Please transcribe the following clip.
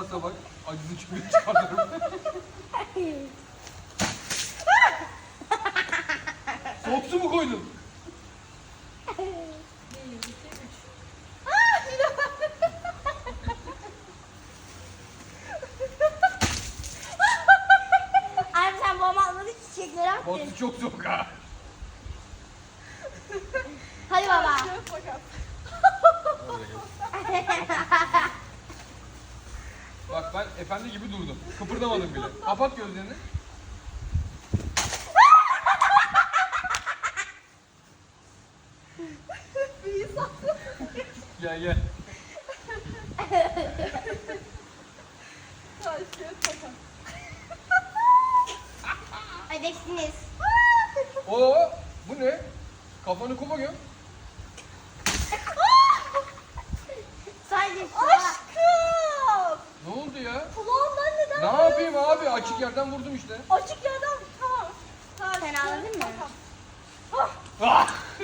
varsa bak acısı çıkıyor çıkartırım. Soğuk su mu koydun? 1, 2, 3. Abi sen babama atmadın çiçekleri attın. Batu çok soğuk ha. Hadi baba. Şöyle bakalım. Bak ben efendi gibi durdum. Kıpırdamadım bile. Kapat gözlerini. Bir insan. Gel gel. Taş, kağıt, makas. Ödeksiniz. Oo, bu ne? Kafanı kuma göm. Sadece su. Aşkım. Ne oldu ya? Kulağımdan neden Ne yapayım abi? Açık yerden vurdum işte. Açık yerden. Tamam. Taş, Sen kağıt, ağladın mı? makas. Ah, Ah!